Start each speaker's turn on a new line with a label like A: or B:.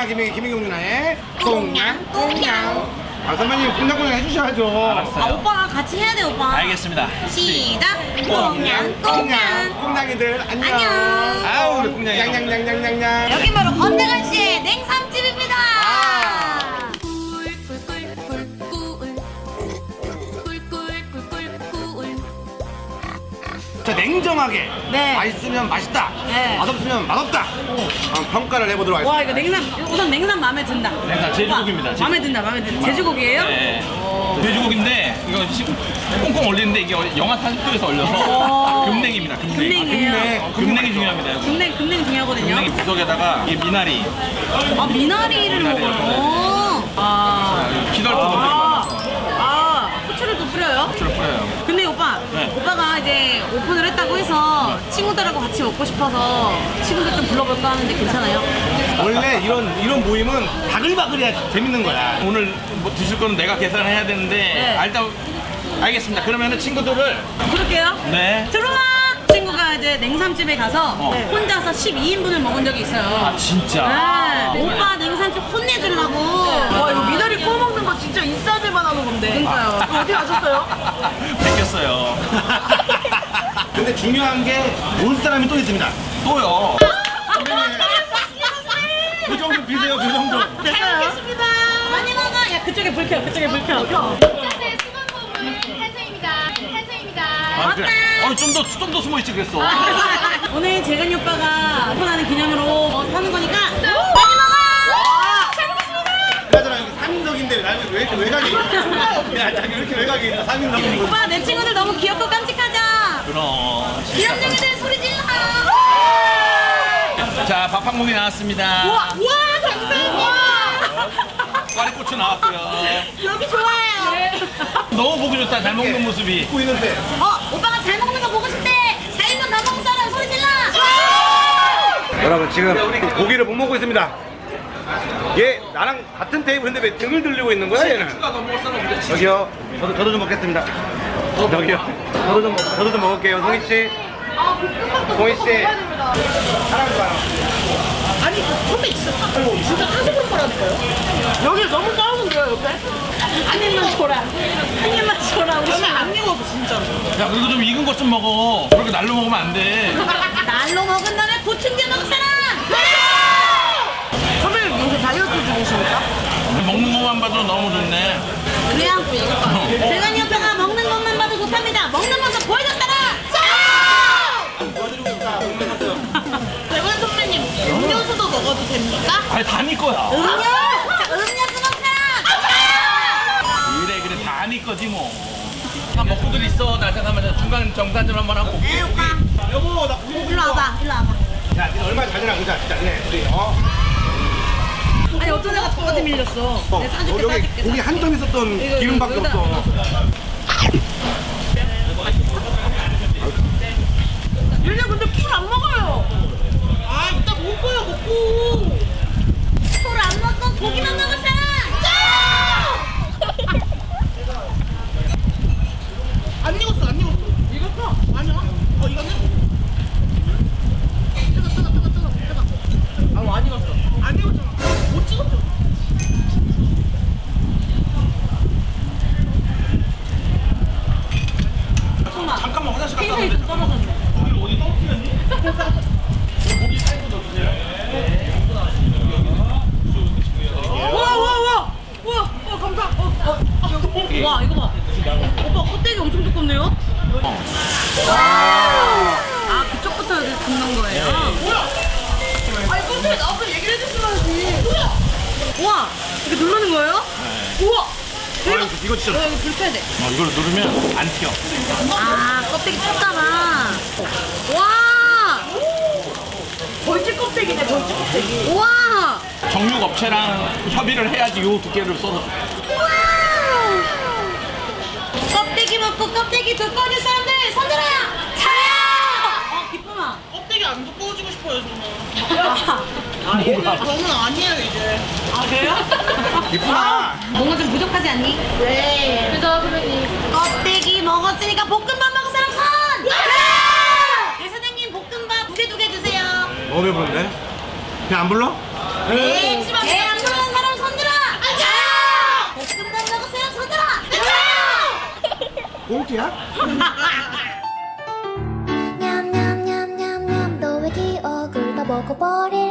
A: 김혜경 누나의 꽁냥. 아 선배님 꽁냥 해주셔야죠.
B: 알았어요.
C: 아 오빠가 같이 해야 돼 오빠.
B: 알겠습니다.
C: 시작. 꽁냥.
A: 꽁냥이들 안녕.
C: 안녕.
B: 아우 우리 꽁냥이.
A: 냥냥냥냥냥냥.
C: 여기 바로 건대관 씨의 냉삼집입니다.
A: 자 냉정하게
C: 네.
A: 맛있으면 맛있다.
C: 네.
A: 맛없으면 맛없다. 한번 평가를 해보도록 하겠습니다.
C: 와 이거 냉삼 우선 냉삼 마음에 든다.
B: 냉삼 제주고기입니다.
C: 오빠, 마음에 든다 마음에 든다. 제주고기예요?
B: 네. 돼지고기인데 이거 지금 꽁꽁 얼리는데 이게 영하 40도에서
C: 오.
B: 얼려서 금냉입니다. 금냉.
C: 금냉이에요.
B: 금냉이 중요합니다. 여기.
C: 금냉 중요하거든요.
B: 금냉이 구석에다가 이게 미나리.
C: 아 미나리를
B: 미나리를
C: 먹어요. 아.
B: 기덜도 넣고
C: 후추를 또 뿌려요?
B: 후추를 뿌려요.
C: 근데 오빠,
B: 네.
C: 오빠가 이제 오픈을 했다고 해서 친구들하고 같이 먹고 싶어서 친구들 좀 불러볼까 하는데 괜찮아요?
A: 원래 이런 모임은 바글바글해야 재밌는 거야.
B: 오늘 뭐 드실 거는 내가 계산을 해야 되는데
C: 네.
B: 일단 알겠습니다. 그러면은 친구들을
C: 그럴게요.
B: 네.
C: 들어와! 친구가 이제 냉삼집에 가서 혼자서 12인분을 먹은 적이 있어요.
B: 아 진짜.
C: 네. 오빠 냉삼집 혼내주려고.
D: 와 이거 미나리 구워 먹는 거 진짜 인싸들만 하는 건데.
C: 그러니까요.
D: 이거 어디 가셨어요?
B: 뺏겼어요.
A: 근데 중요한 게 올 사람이 또 있습니다.
B: 또요.
A: 교정 좀 비세요, 교정 좀.
C: 됐어요. 많이 먹어. 야 그쪽에 불 켜. 그쪽에 불 켜.
E: 네, 수건보물 탄생입니다. 탄생입니다.
B: 아, 그래. 좀 더 숨어 있지 그랬어.
C: 오늘 재근이 오빠가 오픈하는 기념으로 사는 거니까 많이 먹어. 잘 먹겠습니다.
A: 그나저나 여기 3인석인데 나는 왜 이렇게 외곽이 야, 자기 왜 이렇게 외곽이 있나 3인석이고.
C: 오빠 내 친구들 너무 귀엽고 깜찍하죠?
B: 그럼.
C: 귀염둥이들 소리 질러.
B: 자, 밥 한 공기 나왔습니다.
C: 와 감사합니다.
B: 꽈리고추 나왔고요.
C: 여기 좋아요.
B: 너무 보기 좋다. 잘 먹는 모습이.
A: 입고 있는데.
C: 오빠가 잘 먹는 거 보고 싶대. 4인분 더 먹은 사람 소리 질러.
A: 여러분 지금 고기를 못 먹고 있습니다. 얘 나랑 같은 테이블인데 왜 등을 들리고 있는 거야 얘는? 저기요. 저도 좀 먹겠습니다. 저기요. 저도 좀 먹을게요. 송이 씨. 송이 씨. 사랑해요.
D: 아니 선배 진짜 사슴으로 말하는 여기 너무 싸우는데요 옆에?
C: 한 입만 줘라. 한 입만 줘라. 우리
D: 저는 안 익어도 진짜로.
B: 야, 그리고 좀 익은 것 좀 먹어. 그렇게 날로 먹으면 안 돼.
C: 날로 먹은 다음에 보충제 먹을 사람.
D: 선배님 요새 다이어트 중이십니까?
B: 먹는 것만 봐도 너무 좋네.
C: 그래요? 재근이 오빠가 먹는 것만 봐도 좋답니다. 먹는 모습 보여줬다라.
D: 대관 선배님 음료수도 먹어도 됩니까?
B: 아니, 다 네 거야.
C: 음료수 먹는 사람.
B: 그래, 다 네 거지 뭐. 다 먹고들 있어. 나 잠깐만 중간 정산 좀 한번 하고 올게.
A: 여보 나 고기
C: 일로 와봐. 일로 와봐.
A: 야, 니네 얼마나 잘 되나 보자. 진짜 니네 우리
C: 아니 어떤 애가 똑같이 밀렸어. 내가 싸줄게
A: 여기
C: 싸줄게.
A: 고기 한 점 있었던 기름밖에
C: 여기다
A: 없어.
D: 얘네 근데 풀 안 먹어요. 아 이따 먹을 거야 먹고.
C: 소를 안 먹고 고기만 먹을 사람.
D: 안 익었어 안 익었어. 익었어? 아니야. 이거는? 뜨거. 안 익었어. 안 익었잖아. 못 찍었죠.
B: 잠깐만 화장실 갔다
C: 텐션이 좀 떨어졌네.
B: 어디 떨어뜨렸니? 고기 살고 넣어주세요.
C: 와 감사. 와 이거 봐. 오빠 껍데기 엄청 두껍네요. 아 그쪽부터 이렇게 굽는 거예요.
D: 아니 선배님 나한테 얘기를 해주셔야지.
C: 와 이렇게 누르는 거예요? 우와.
A: 이거 진짜
C: 여기 불 켜야 돼.
B: 이걸 누르면 안 튀어.
C: 아 껍데기 쳤잖아. 와.
D: 벌집 껍데기네 벌집 껍데기.
C: 와.
B: 정육 업체랑 협의를 해야지 요 두께를 써서.
C: 껍데기 먹고 껍데기 두꺼워진 사람들 손들어. 차야. 기쁨아.
D: 껍데기 안 두꺼워지고 싶어요 저는. 저는 아니에요 이제.
C: 아 그래요?
A: 이쁘나.
C: 뭔가 좀 부족하지 않니?
D: 네.
E: 그죠, 선배님?
C: 껍데기 먹었으니까 볶음밥 먹은 사람 손! 네! 사장님 볶음밥 두 개 주세요.
A: 너무 배부른데? 그냥 안 불러?
C: 배안 부르는 사람 손들어. 볶음 달라고 사람 손들어.
A: 봉투야?
F: 냠냠냠냠냠 너의 기억을 다 먹어버릴